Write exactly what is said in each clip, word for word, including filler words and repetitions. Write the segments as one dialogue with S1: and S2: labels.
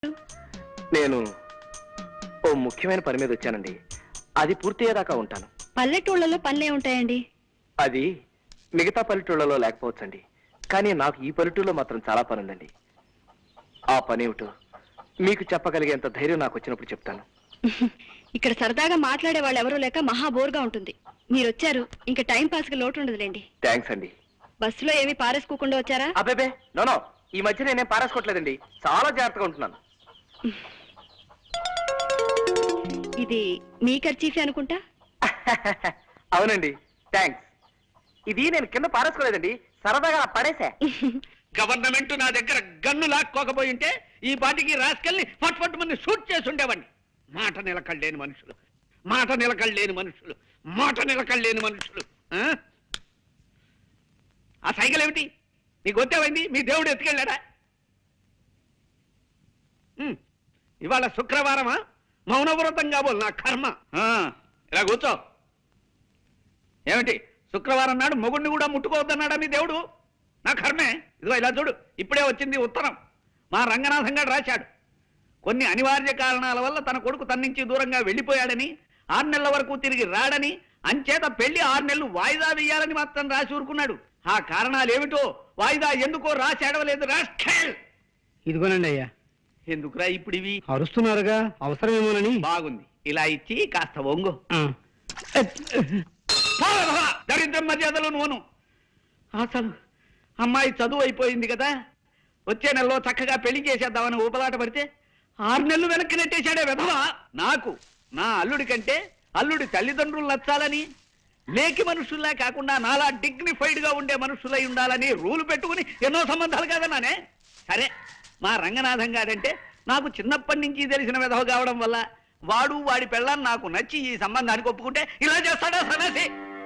S1: నేను ఓ ముఖ్యమైన పని మీద వచ్చానండి. అది పూర్తయ్యేదాకా ఉంటాను.
S2: పల్లెటూళ్ళలో పనులే ఉంటాయండి.
S1: అది మిగతా పల్లెటూళ్ళలో లేకపోవచ్చండి, కానీ నాకు ఈ పల్లెటూళ్ళలో మాత్రం చాలా పని ఉందండి. ఆ పని ఏమిటో మీకు చెప్పగలిగేంత ధైర్యం నాకు వచ్చినప్పుడు చెప్తాను.
S2: ఇక్కడ సరదాగా మాట్లాడే వాళ్ళు ఎవరూ లేక మహా బోర్గా ఉంటుంది. మీరు వచ్చారు, ఇంకా టైం పాస్ కి లోటు ఉండదులేండి.
S1: థ్యాంక్స్ అండి.
S2: బస్సులో ఏమీ పారేసుకోకుండా వచ్చారా?
S1: అబ్బేబే నోనో, ఈ మధ్య నేనేం పారేసుకోవట్లేదండి, చాలా జాగ్రత్తగా ఉంటున్నాను.
S2: ఇది మీ ఖర్చీఫే అనుకుంటా.
S1: అవునండి, థ్యాంక్స్. ఇది నేను కింద పారేసుకోలేదండి, సరదాగా పడేసా.
S3: గవర్నమెంట్ నా దగ్గర గన్ను లాక్కోకపోయి ఉంటే ఈ పాటికి రాసుకెళ్ళి ఫట్ ఫట్ మంది షూట్ చేసి ఉండేవాడిని. మాట నిలకడలేని మనుషులు, మాట నిలకడలేని మనుషులు, మాట నిలకడలేని మనుషులు. ఆ సైకిల్ ఏమిటి నీకు వచ్చేవైంది? మీ దేవుడు ఎత్తుకెళ్ళాడా? ఇవాళ శుక్రవారమా? మౌనవ్రతం కాబోలు నా కర్మ. ఇలా కూర్చో. ఏమిటి శుక్రవారం నాడు మొగుడిని కూడా ముట్టుకోవద్దన్నాడా మీ దేవుడు? నా కర్మే. ఇదిగో ఇలా చూడు, ఇప్పుడే వచ్చింది ఉత్తరం. మా రంగనాథం గారు రాశాడు. కొన్ని అనివార్య కారణాల వల్ల తన కొడుకు తన నుంచి దూరంగా వెళ్ళిపోయాడని, ఆరు నెలల వరకు తిరిగి రాడని, అంచేత పెళ్లి ఆరు నెలలు వాయిదా వేయాలని మాత్రం రాసి ఊరుకున్నాడు. ఆ కారణాలు ఏమిటో వాయిదా ఎందుకో రాసి అడవలేదు. రాష్ట్రేల్
S4: ఇదిగోనండి అయ్యా.
S3: ఎందుకురా ఇప్పుడు ఇవి?
S4: అరుస్తున్నారుగా, అవసరమేమోనని.
S3: బాగుంది, ఇలా ఇచ్చి కాస్త ఒంగు. దరిద్రం మర్యాదలు నోను. అసలు అమ్మాయి చదువు అయిపోయింది కదా, వచ్చే నెలలో చక్కగా పెళ్లి చేసేద్దామని ఊపలాట పడితే ఆరు నెలలు వెనక్కి నెట్టేశాడే విధవా. నాకు నా అల్లుడి కంటే అల్లుడి తల్లిదండ్రులు నచ్చాలని, లేకి మనుషుల్లా కాకుండా నాలా డిగ్నిఫైడ్ గా ఉండే మనుషులై ఉండాలని రూలు పెట్టుకుని ఎన్నో సంబంధాలు కాదన్నానే. సరే, మా రంగనాథం గారంటే నాకు చిన్నప్పటి నుంచి తెలిసిన విధవ కావడం వల్ల వాడు వాడి పెళ్ళాన్ని నాకు నచ్చి ఈ సంబంధానికి ఒప్పుకుంటే ఇలా చేస్తాడా సన్నాసి?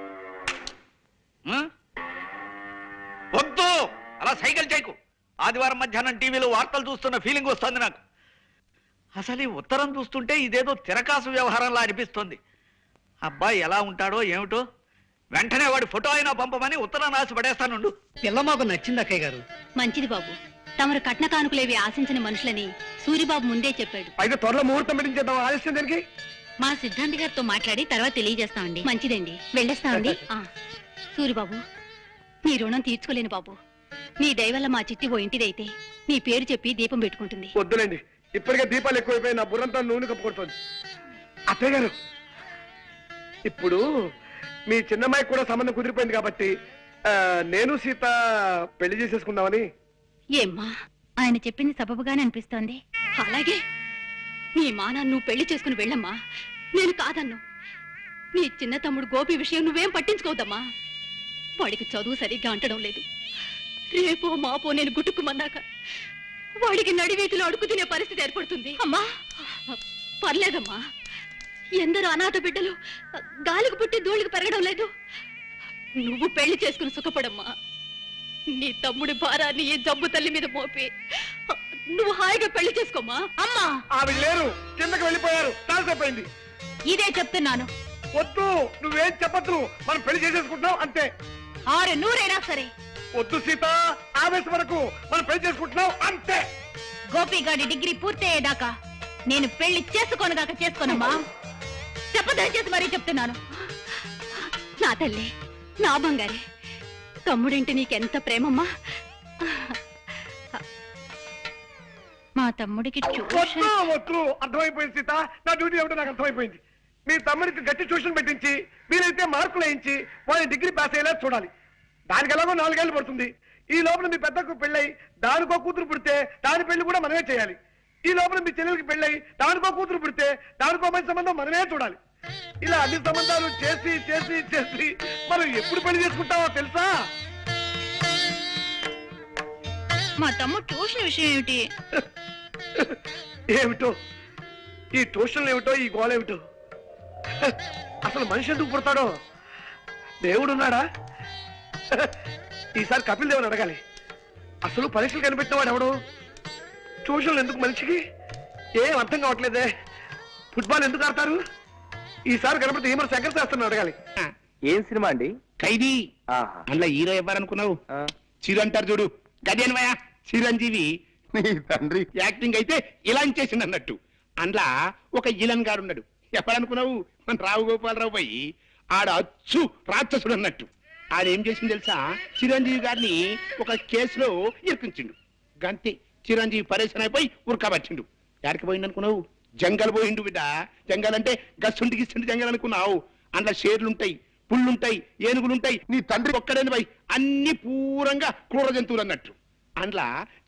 S3: వద్దు, అలా సైకిల్ చేయకు. ఆదివారం మధ్యాహ్నం టీవీలో వార్తలు చూస్తున్న ఫీలింగ్ వస్తుంది నాకు. అసలు ఈ ఉత్తరం చూస్తుంటే ఇదేదో తిరకాసు వ్యవహారంలా అనిపిస్తుంది. అబ్బాయి ఎలా ఉంటాడో ఏమిటో, వెంటనే వాడి ఫోటో అయినా పంపమని ఉత్తరం రాసి పడేస్తానుండు.
S4: పిల్ల మాకు నచ్చింది అక్కయ్య గారు.
S2: మంచిది బాబు, తమరు కట్న కానుకలేవి ఆశించిన మనుషులని సూరిబాబు ముందే చెప్పాడు.
S1: అయితే త్వరలో ముహూర్తం పెట్టించేద్దాం. ఆలస్యం దానికి
S2: మా సిద్ధాంతి గారితో మాట్లాడి తర్వాత తెలియజేస్తామండి. మంచిదండి, వెళ్ళేస్తామండి. సూరిబాబు, నీ రుణం తీర్చుకోలేను బాబు. నీ దయవల్ల మా చిట్టి ఓ ఇంటిదైతే నీ పేరు చెప్పి దీపం పెట్టుకుంటుంది.
S1: వద్దులేండి, ఇప్పటికే దీపాలు ఎక్కువైపోయి నా బుర్రంతా నూనె కప్పుకొడుతుంది. అత్తయ్య గారు, ఇప్పుడు మీ చిన్నమ్మాయికి కూడా సంబంధం కుదిరిపోయింది కాబట్టి నేను సీత పెళ్లి చేసేసుకుందామని.
S2: ఏమ్మా, ఆయన చెప్పింది సబబుగానే అనిపిస్తోంది. అలాగే నీ మానా నువ్వు పెళ్లి చేసుకుని వెళ్ళమ్మా, నేను కాదన్ను. నీ చిన్న తమ్ముడు గోపి విషయం నువ్వేం పట్టించుకోవద్దమ్మా. వాడికి చదువు సరిగ్గా అంటడం లేదు. రేపో మాపో నేను గుట్టుకుమన్నాక వాడికి నడివీధిలో అడుగు తినే పరిస్థితి ఏర్పడుతుంది. అమ్మా పర్లేదమ్మా, ఎందరో అనాథ బిడ్డలు గాలికి పుట్టి ధూళికి పెరగడం లేదు. నువ్వు పెళ్లి చేసుకుని సుఖపడమ్మా. నీ తమ్ముడి భారాన్ని ఈ జబ్బు తల్లి మీద మోపి నువ్వు హాయిగా పెళ్లి చేసుకోమా. అమ్మా,
S1: ఆవిడ లేరు, కిందకి వెళ్ళిపోయారు, తాల్సైపోయింది.
S2: ఇదే చెప్తున్నాను.
S1: వద్దు, నువ్వేం చెప్పద్దు, మనం పెళ్లి చేసేసుకుంటున్నాం అంతే.
S2: ఆరు నూరైనా సరే
S1: వద్దు సీత, ఆవేశం వరకు మనం పెళ్లి చేసుకుంటున్నాం అంతే.
S2: గోపిగాడి డిగ్రీ పూర్తయ్యేదాకా నేను పెళ్లి చేసుకోనుగాక చేసుకోనమ్మా. చెప్పదయచేసి మరీ చెప్తున్నాను. నా తల్లి, నా బంగారే, తమ్ముడింటి నీకెంత ప్రేమమ్మా. మా తమ్ముడికి
S1: వద్దు వద్దు, అర్థమైపోయింది సీత, నా డ్యూటీ ఏమిటో నాకు అర్థమైపోయింది. మీ తమ్ముడికి గట్టి ట్యూషన్ పెట్టించి మీరైతే మార్కులు వేయించి వాళ్ళని డిగ్రీ పాస్ అయ్యేలా చూడాలి. దానికి ఎలాగో నాలుగేళ్లు పడుతుంది. ఈ లోపల మీ పెద్దకు పెళ్ళై దానికో కూతురు పుడితే దాని పెళ్లి కూడా మనమే చేయాలి. ఈ లోపల మీ చెల్లెలకి పెళ్ళై దానికో కూతురు పుడితే దానికో మంచి సంబంధం మనమే చూడాలి. ఇలా అన్ని సంబంధాలు చేసి చేసి చేసి మనం ఎప్పుడు పెళ్లి చేసుకుంటామో తెలుసా?
S2: మా తమ్ముడు ట్యూషన్ విషయం ఏమిటి?
S1: ఏమిటో ఈ ట్యూషన్లు ఏమిటో, ఈ గోళ ఏమిటో. అసలు మనిషి ఎందుకు పుడతాడో? దేవుడున్నాడా? ఈసారి కపిల్ దేవుని అడగాలి. అసలు పరీక్షలు కనిపెట్టిన వాడు ఎవడు? ట్యూషన్లు ఎందుకు మనిషికి? ఏం అర్థం కావట్లేదే. ఫుట్బాల్ ఎందుకు ఆడతారు? ఈసారి కనపడితే ఏమన్నా శంకర్ శాస్త్రం అడగాలి. ఏం సినిమా అండి?
S3: ఖైదీ. అందులో హీరో ఎవరనుకున్నావు? చిరు అంటారు చూడు, గదేనవయా చిరంజీవి.
S5: నీ తండ్రి
S6: యాక్టింగ్ అయితే ఇలా చేసింది అన్నట్టు అందులో ఒక ఇలన్ గారు ఉన్నాడు ఎప్పుడనుకున్నావు మన రావు గోపాలరావు పోయి ఆడ అచ్చు రాక్షసుడు అన్నట్టు ఆడ ఏం చేసింది తెలుసా చిరంజీవి గారిని ఒక కేసులో ఇరికించిండు గంతే చిరంజీవి పరేషన్ అయిపోయి ఉరకబట్టిండు ఎక్కడికి పోయిండు అనుకున్నావు జంగల్ పోయిండు బిడ్డ జంగల్ అంటే గస్సుంటి గిస్సుంటి జంగల్ అనుకున్నావు అందులో షేర్లుంటాయి పుళ్ళుంటాయి ఏనుగులుంటాయి
S5: నీ తండ్రి
S6: ఒక్కడని పోయి అన్ని పూరంగా క్రూర జంతువులు అన్నట్టు అందులో